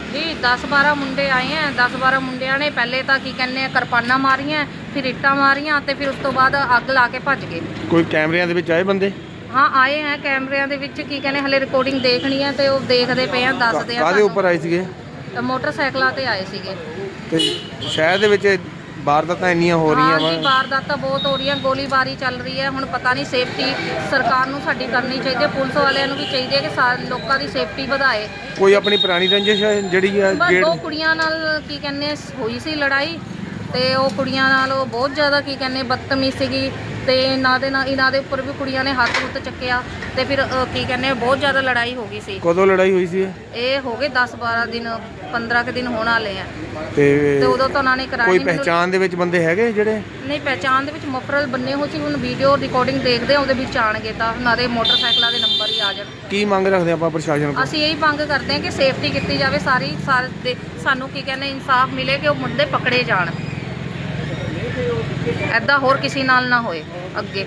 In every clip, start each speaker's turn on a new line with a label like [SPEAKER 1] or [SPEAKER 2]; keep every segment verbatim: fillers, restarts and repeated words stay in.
[SPEAKER 1] जी दस बारह मुंडे आए हैं। दस बारह मुंडिया ने पहले तो की कहने किरपाना मारियां, फिर इट्टां मारियां ते फिर उस तो बाद अग ला के भज गए।
[SPEAKER 2] कोई कैमरिਆਂ ਦੇ ਵਿੱਚ ਆਏ ਬੰਦੇ?
[SPEAKER 1] हाँ आए हैं कैमरिਆਂ ਦੇ ਵਿੱਚ की कहने हले रिकॉर्डिंग देखनी है तो देखते पे हैं दसदे आ।
[SPEAKER 2] ਕਾਹਦੇ ਉੱਪਰ ਆਏ ਸੀਗੇ?
[SPEAKER 1] मोटरसाइकिलों ते आए सीगे।
[SPEAKER 2] ਤੇ ਸ਼ਹਿਰ ਦੇ ਵਿੱਚ ਵਾਰਦਾਤਾਂ ਇੰਨੀਆਂ ਹੋ ਰਹੀਆਂ
[SPEAKER 1] हाँ
[SPEAKER 2] ਵਾ।
[SPEAKER 1] जी वारदातां बहुत हो रही है, गोलीबारी चल रही है। हुण पता नहीं सेफ्टी सरकार नूं साडी करनी चाहिए, पुलिस वालियां नूं भी चाहिए कि सा लोकां दी सेफ्टी वधाए।
[SPEAKER 2] ਕੋਈ ਆਪਣੀ ਪੁਰਾਣੀ ਰੰਜਿਸ਼ ਹੈ ਜਿਹੜੀ ਆ
[SPEAKER 1] बस
[SPEAKER 2] ਗੇੜ?
[SPEAKER 1] दो कुड़ियां नाल की कहने होई सी लड़ाई ते ਉਹ ਕੁੜੀਆਂ ਨਾਲ ਉਹ ਬਹੁਤ ਜ਼ਿਆਦਾ ਕੀ ਕਹਿੰਦੇ ਬਦਤਮੀਜ਼ ਸੀਗੀ ਤੇ ਇਹਨਾਂ ਦੇ ਨਾਲ ਇਹਨਾਂ ਦੇ ਉੱਪਰ ਵੀ ਕੁੜੀਆਂ ਨੇ ਹੱਥ ਹੁੱਥ ਚੱਕਿਆ ਤੇ ਫਿਰ ਅ, ਕੀ ਕਹਿੰਦੇ ਬਹੁਤ ਜ਼ਿਆਦਾ ਲੜਾਈ ਹੋ ਗਈ ਸੀ।
[SPEAKER 2] ਕਦੋਂ ਲੜਾਈ ਹੋਈ ਸੀ ਇਹ?
[SPEAKER 1] ਇਹ ਹੋ ਗਏ ਦਸ ਬਾਰਾਂ ਦਿਨ ਪੰਦਰਾਂ ਕੁ ਦਿਨ ਹੋਣ ਵਾਲੇ ਆ
[SPEAKER 2] ਤੇ
[SPEAKER 1] ਤੇ ਉਦੋਂ ਤਾਂ ਉਹਨਾਂ ਨੇ ਕਰਾਈ
[SPEAKER 2] ਕੋਈ
[SPEAKER 1] ਨਹੀਂ। ਮੈਨੂੰ-
[SPEAKER 2] ਪਹਿਚਾਣ ਦੇ ਵਿੱਚ ਬੰਦੇ ਹੈਗੇ ਜਿਹੜੇ?
[SPEAKER 1] ਨਹੀਂ ਪਹਿਚਾਣ ਦੇ ਵਿੱਚ ਮਫਰਲ ਬੰਨੇ ਹੋ ਸੀ। ਹੁਣ ਵੀਡੀਓ ਰਿਕਾਰਡਿੰਗ ਦੇਖਦੇ ਆ ਉਹਦੇ ਵਿੱਚ ਆਣਗੇ ਤਾਂ ਉਹਨਾਂ ਦੇ ਮੋਟਰਸਾਈਕਲਾਂ ਦੇ ਨੰਬਰ ਹੀ ਆ ਜਾਣ।
[SPEAKER 2] ਕੀ ਮੰਗ ਰੱਖਦੇ ਆਪਾਂ ਪ੍ਰਸ਼ਾਸਨ ਕੋਲ?
[SPEAKER 1] ਅਸੀਂ ਇਹੀ ਮੰਗ ਕਰਦੇ ਹਾਂ ਕਿ ਸੇਫਟੀ ਕੀਤੀ ਜਾਵੇ ਸਾਰੀ ਸਾਰੇ ਦੇ ਸਾਨੂੰ ਕੀ ਕਹਿੰਦੇ ਇਨਸਾਫ ਮਿਲੇ ਕਿ ਉਹ ਮੁੰਡੇ ਪਕੜੇ ਜਾਣ, ਐਦਾਂ ਹੋਰ ਕਿਸੇ ਨਾਲ ਨਾ ਹੋਏ ਅੱਗੇ।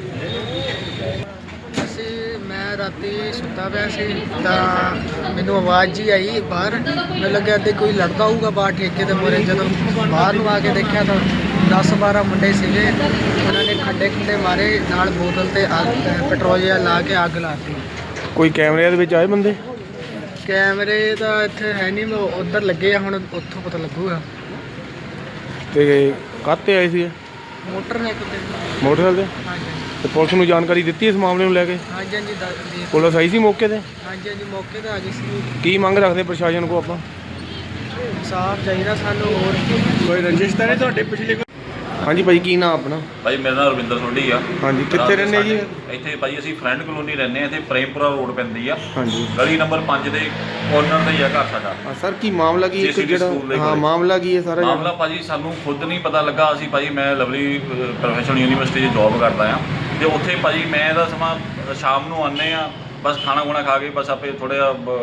[SPEAKER 3] ਅਸੀਂ ਮੈਂ ਰਾਤੀ ਸੁੱਤਾ ਪਿਆ ਸੀ ਤਾਂ ਮੈਨੂੰ ਆਵਾਜ਼ ਜੀ ਆਈ ਬਾਹਰ। ਮੈਨੂੰ ਲੱਗਿਆ ਤੇ ਕੋਈ ਲੜਦਾ ਹੋਊਗਾ ਬਾਹਰ ਠੇਕੇ ਦੇ ਮੂਹਰੇ। ਜਦੋਂ ਬਾਹਰ ਨੂੰ ਆ ਕੇ ਦੇਖਿਆ ਤਾਂ ਦਸ ਬਾਰਾਂ ਮੁੰਡੇ ਸੀਗੇ। ਉਹਨਾਂ ਨੇ ਖੱਡੇ ਖੁੱਡੇ ਮਾਰੇ ਨਾਲ ਬੋਤਲ ਤੇ ਅੱਗ ਪੈਟਰੋਲ ਜਿਹਾ ਲਾ ਕੇ ਅੱਗ ਲਾਤੀ।
[SPEAKER 2] ਕੋਈ ਕੈਮਰਿਆਂ ਦੇ ਵਿੱਚ ਆਏ ਬੰਦੇ?
[SPEAKER 3] ਕੈਮਰੇ ਤਾਂ ਇੱਥੇ ਹੈ ਨਹੀਂ, ਮੈਂ ਉੱਧਰ ਲੱਗੇ ਆ, ਹੁਣ ਉੱਥੋਂ ਪਤਾ ਲੱਗੂਗਾ।
[SPEAKER 2] ਤੇ ਕਾਹਤੇ ਆਏ ਸੀ?
[SPEAKER 3] ਮੋਟਰਸਾਈਕਲ ਤੇ।
[SPEAKER 2] ਮੋਟਰਸਾਈਕਲ ਤੇ?
[SPEAKER 3] ਹਾਂਜੀ
[SPEAKER 2] ਤੇ ਪੁਲਿਸ ਨੂੰ ਜਾਣਕਾਰੀ ਦਿੱਤੀ ਇਸ ਮਾਮਲੇ ਨੂੰ ਲੈ ਕੇ?
[SPEAKER 3] ਹਾਂਜੀ ਹਾਂਜੀ ਦੱਸ ਜੀ।
[SPEAKER 2] ਪੁਲਿਸ ਆਈ ਸੀ ਮੌਕੇ ਤੇ?
[SPEAKER 3] ਹਾਂਜੀ ਹਾਂਜੀ ਮੌਕੇ ਤੇ ਆ ਗਈ ਸੀ।
[SPEAKER 2] ਕੀ ਮੰਗ ਰੱਖਦੇ ਪ੍ਰਸ਼ਾਸਨ ਕੋ ਆਪਾਂ?
[SPEAKER 3] ਇਨਸਾਫ ਚਾਹੀਦਾ ਸਾਨੂੰ। ਹੋਰ
[SPEAKER 2] ਕੋਈ ਰੰਜਿਸ਼ ਤਾਂ ਨਹੀਂ ਤੁਹਾਡੇ ਪਿਛਲੇ? ਹਾਂਜੀ ਭਾਈ ਕੀ ਨਾਮ ਆਪਣਾ?
[SPEAKER 4] ਭਾਈ ਮੇਰਾ ਨਾਮ ਰਵਿੰਦਰ ਸੋਢੀ ਆ।
[SPEAKER 2] ਹਾਂਜੀ ਕਿੱਥੇ ਰਹਿੰਦੇ ਜੀ?
[SPEAKER 4] ਇੱਥੇ ਭਾਈ ਅਸੀਂ ਫਰੈਂਡ ਕਲੋਨੀ ਰਹਿੰਦੇ ਆ। ਇੱਥੇ ਪ੍ਰੇਮਪੁਰਾ ਰੋਡ ਪੈਂਦੀ ਆ।
[SPEAKER 2] ਹਾਂਜੀ
[SPEAKER 4] ਗਲੀ ਨੰਬਰ ਪੰਜ ਦੇ ਕੋਰਨਰ ਤੇ ਹੀ ਆ ਘਰ ਸਾਡਾ।
[SPEAKER 2] ਹਾਂ ਸਰ ਕੀ ਮਾਮਲਾ ਕੀ ਇੱਕ
[SPEAKER 4] JCB
[SPEAKER 2] ਜਿਹੜਾ
[SPEAKER 4] ਸਕੂਲ ਦੇ
[SPEAKER 2] ਹਾਂ
[SPEAKER 4] ਕੋਲੇ।
[SPEAKER 2] ਮਾਮਲਾ ਕੀ ਹੈ ਸਾਰਾ?
[SPEAKER 4] ਮਾਮਲਾ ਭਾਜੀ ਸਾਨੂੰ ਖੁਦ ਨਹੀਂ ਪਤਾ ਲੱਗਾ। ਅਸੀਂ ਭਾਜੀ ਮੈਂ ਲਵਲੀ ਪ੍ਰੋਫੈਸ਼ਨਲ ਯੂਨੀਵਰਸਿਟੀ 'ਚ ਜੌਬ ਕਰਦਾ ਆ ਤੇ ਉੱਥੇ ਭਾਜੀ ਮੈਂ ਇਹਦਾ ਸਮਾਂ ਸ਼ਾਮ ਨੂੰ ਆਉਂਦੇ ਆ, ਬਸ ਖਾਣਾ ਖੁਣਾ ਖਾ ਕੇ ਬਸ ਆਪੇ ਥੋੜ੍ਹਾ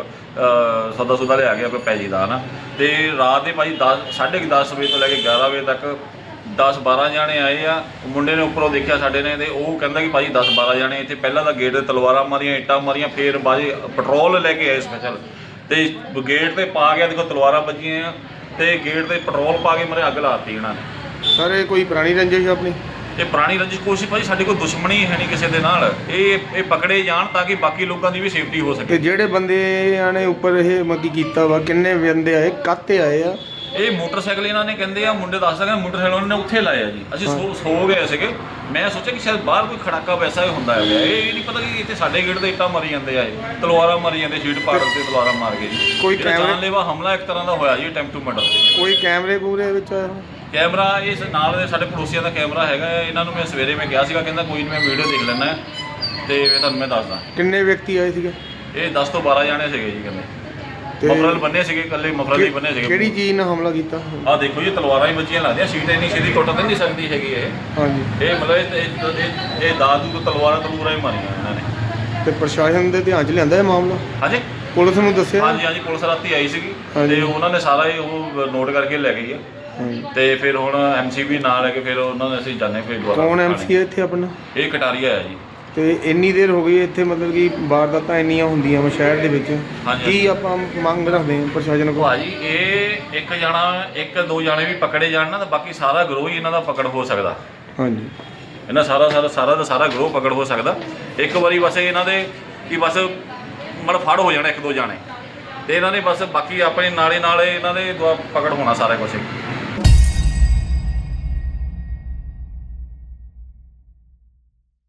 [SPEAKER 4] ਜਿਹਾ ਸੌਦਾ ਸੁਦਾ ਲਿਆ ਕੇ ਆਪੇ ਪੈ ਜੀਦਾ ਨਾ। ਤੇ ਰਾਤ ਦੇ ਭਾਜੀ ਦਸ ਸਾਢੇ ਕੁ ਦਸ ਵਜੇ ਤੋਂ ਲੈ ਕੇ ਗਿਆਰਾਂ ਵਜੇ ਤੱਕ ਦਸ ਬਾਰਾਂ ਜਾਣੇ ਆਏ ਆ। ਮੁੰਡੇ ਨੇ ਉੱਪਰੋਂ ਦੇਖਿਆ ਸਾਡੇ ਨੇ ਤੇ ਉਹ ਕਹਿੰਦਾ ਕਿ ਭਾਜੀ ਦਸ ਬਾਰਾਂ ਜਾਣੇ ਇੱਥੇ ਪਹਿਲਾਂ ਤਾਂ ਗੇਟ 'ਤੇ ਤਲਵਾਰਾਂ ਮਾਰੀਆਂ, ਇੱਟਾਂ ਮਾਰੀਆਂ, ਫਿਰ ਬਾਜੀ ਪੈਟਰੋਲ ਲੈ ਕੇ ਆਏ ਸਪੈਸ਼ਲ ਤੇ ਗੇਟ 'ਤੇ ਪਾ ਗਿਆ। ਦੇਖੋ ਤਲਵਾਰਾਂ ਵੱਜੀਆਂ ਆ ਤੇ ਗੇਟ 'ਤੇ ਪੈਟਰੋਲ ਪਾ ਕੇ ਮਰੇ ਅੱਗ ਲਾਤੀ ਇਹਨਾਂ ਨੇ।
[SPEAKER 2] ਸਰ ਇਹ ਕੋਈ ਪੁਰਾਣੀ ਰੰਜਿਸ਼ ਆਪਣੀ?
[SPEAKER 4] ਇਹ ਪੁਰਾਣੀ ਰੰਜਿਸ਼ ਕੋਸ਼ਿਸ਼ ਭਾਜੀ ਸਾਡੀ ਕੋਈ ਦੁਸ਼ਮਣੀ ਹੈ ਨਹੀਂ ਕਿਸੇ ਦੇ ਨਾਲ। ਇਹ ਇਹ ਪਕੜੇ ਜਾਣ ਤਾਂ ਕਿ ਬਾਕੀ ਲੋਕਾਂ ਦੀ ਵੀ ਸੇਫਟੀ ਹੋ
[SPEAKER 2] ਤੇ
[SPEAKER 4] ਸਕੇ।
[SPEAKER 2] ਜਿਹੜੇ ਬੰਦਿਆਂ ਨੇ ਉੱਪਰ ਇਹ ਮੱਕੀ ਕੀਤਾ ਵਾ ਕਿੰਨੇ ਬੰਦੇ ਆਏ, ਕਾਹਤੇ ਆਏ ਆ?
[SPEAKER 4] ਇਹ ਮੋਟਰਸਾਈਕਲ ਇਹਨਾਂ ਨੇ ਕਹਿੰਦੇ ਆ ਮੁੰਡੇ ਦੱਸ ਸਕਦੇ ਮੋਟਰਸਾਈਕਲ ਉਹਨਾਂ ਨੇ ਉੱਥੇ ਲਾਇਆ ਜੀ। ਅਸੀਂ ਸੋ ਸੋ ਗਏ ਸੀਗੇ। ਮੈਂ ਸੋਚਿਆ ਕਿ ਸ਼ਾਇਦ ਬਾਹਰ ਕੋਈ ਖੜਾਕਾ ਵੈਸਾ ਹੀ ਹੁੰਦਾ ਹੈ। ਇਹ ਨਹੀਂ ਪਤਾ ਕਿ ਇੱਥੇ ਸਾਡੇ ਗੇਟ 'ਤੇ ਇੱਟਾਂ ਮਾਰੀ ਜਾਂਦੇ ਆ, ਇਹ ਤਲਵਾਰਾਂ ਮਾਰੀ ਜਾਂਦੇ, ਸ਼ੀਟ ਪਾੜ ਤੇ ਤਲਵਾਰਾਂ ਮਾਰ ਕੇ ਜੀ।
[SPEAKER 2] ਕੋਈ
[SPEAKER 4] ਇਹਦਾ
[SPEAKER 2] ਕੈਮਰੇ-
[SPEAKER 4] ਜਾਨਲੇਵਾ ਹਮਲਾ ਇੱਕ ਤਰ੍ਹਾਂ ਦਾ ਹੋਇਆ ਜੀ, ਅਟੈਂਪਟ ਟੂ ਮਰਡਰ।
[SPEAKER 2] ਕੋਈ ਕੈਮਰੇ ਪੂਰੇ ਵਿੱਚ ਆਇਆ?
[SPEAKER 4] ਕੈਮਰਾ ਇਸ ਨਾਲ ਦੇ ਸਾਡੇ ਪੜੋਸੀਆਂ ਦਾ ਕੈਮਰਾ ਹੈਗਾ ਹੈ। ਇਹਨਾਂ ਨੂੰ ਮੈਂ ਸਵੇਰੇ ਮੈਂ ਕਿਹਾ ਸੀਗਾ, ਕਹਿੰਦਾ ਕੋਈ ਨਹੀਂ ਮੈਂ ਵੀਡੀਓ ਦੇਖ ਲੈਣਾ ਤੇ ਮੈਂ ਤੁਹਾਨੂੰ ਮੈਂ ਦੱਸਦਾ।
[SPEAKER 2] ਕਿੰਨੇ ਵਿਅਕਤੀ ਆਏ ਸੀਗੇ?
[SPEAKER 4] ਇਹ ਦਸ ਤੋਂ ਬਾਰਾਂ ਜਾਣੇ ਸੀਗੇ ਜੀ। ਕਹਿੰਦੇ
[SPEAKER 2] ਤੇ
[SPEAKER 4] ਮਫਰਲ ਬੰਨੇ ਸੀਗੇ, ਇਕੱਲੇ ਮਫਰਲ ਹੀ ਬੰਨੇ ਸੀਗੇ।
[SPEAKER 2] ਕਿਹੜੀ ਚੀਜ਼ ਨਾਲ ਹਮਲਾ ਕੀਤਾ?
[SPEAKER 4] ਆਹ ਦੇਖੋ ਜੀ ਤਲਵਾਰਾਂ ਹੀ ਬੱਚੀਆਂ ਲੱਗਦੀਆਂ, ਸ਼ੀਟ ਇੰਨੀ ਛੇਤੀ ਟੁੱਟ ਤਾਂ ਨਹੀਂ ਸਕਦੀ ਹੈਗੀ ਇਹ।
[SPEAKER 2] ਹਾਂਜੀ
[SPEAKER 4] ਇਹ ਮਤਲਬ ਇਹ ਇਹ- ਇਹ ਦਾਦੂ ਤੋਂ ਤਲਵਾਰਾਂ ਤਲੂਰਾਂ ਹੀ ਮਾਰੀਆਂ ਇਹਨਾਂ ਨੇ।
[SPEAKER 2] ਤੇ ਪ੍ਰਸ਼ਾਸਨ ਦੇ ਧਿਆਨ 'ਚ ਲਿਆਂਦਾ ਇਹ ਮਾਮਲਾ?
[SPEAKER 4] ਹਾਂਜੀ
[SPEAKER 2] ਪੁਲਿਸ ਨੂੰ ਦੱਸਿਆ?
[SPEAKER 4] ਹਾਂਜੀ ਹਾਂਜੀ ਪੁਲਿਸ ਰਾਤੀ ਆਈ ਸੀਗੀ
[SPEAKER 2] ਹਾਂਜੀ।
[SPEAKER 4] ਤੇ ਉਹਨਾਂ ਨੇ ਸਾਰਾ ਹੀ ਉਹ ਨੋਟ ਕਰਕੇ ਲੈ ਗਈ ਆ।
[SPEAKER 2] ਹਾਂਜੀ।
[SPEAKER 4] ਤੇ ਫਿਰ ਹੁਣ ਐਮਸੀ ਵੀ ਨਾਲ ਲੈ ਕੇ ਫਿਰ ਉਹਨਾਂ ਨੇ ਅਸੀਂ ਜਾਣੇ ਫਿਰ ਦੁਬਾਰਾ
[SPEAKER 2] ਕੌਣ ਐਮਸੀ ਹੈ ਇੱਥੇ ਆਪਣਾ?
[SPEAKER 4] ਇਹ ਕਟਾਰੀਆ ਹੈ ਜੀ।
[SPEAKER 2] ਤੇ ਇੰਨੀ ਦੇਰ ਹੋ ਗਈ ਇੱਥੇ ਮਤਲਬ ਕਿ ਵਾਰਦਾਤਾਂ ਇੰਨੀਆਂ ਹੁੰਦੀਆਂ ਵਾ ਸ਼ਹਿਰ ਦੇ ਵਿੱਚ,
[SPEAKER 4] ਹਾਂਜੀ।
[SPEAKER 2] ਕੀ ਆਪਾਂ ਮੰਗ ਰੱਖਦੇ ਹਾਂ ਪ੍ਰਸ਼ਾਸਨ ਕੋਲ?
[SPEAKER 4] ਭਾਜੀ ਇਹ ਇੱਕ ਜਾਣਾ ਇੱਕ ਦੋ ਜਾਣੇ ਵੀ ਪਕੜੇ ਜਾਣ ਨਾ ਤਾਂ ਬਾਕੀ ਸਾਰਾ ਗਰੋਹ ਹੀ ਇਹਨਾਂ ਦਾ ਪਕੜ ਹੋ ਸਕਦਾ।
[SPEAKER 2] ਹਾਂਜੀ
[SPEAKER 4] ਇਹਨਾਂ ਸਾਰਾ ਸਾਰਾ ਸਾਰਾ ਦਾ ਸਾਰਾ ਗਰੋਹ ਪਕੜ ਹੋ ਸਕਦਾ ਇੱਕ ਵਾਰੀ। ਬਸ ਇਹਨਾਂ ਦੇ ਕਿ ਬਸ ਮੜ ਫੜ ਹੋ ਜਾਣਾ ਇੱਕ ਦੋ ਜਾਣੇ ਤੇ ਇਹਨਾਂ ਨੇ ਬਸ ਬਾਕੀ ਆਪਣੇ ਨਾਲੇ ਨਾਲੇ ਇਹਨਾਂ ਦੇ ਦੁਆ ਪਕੜ ਹੋਣਾ ਸਾਰਾ ਕੁਝ।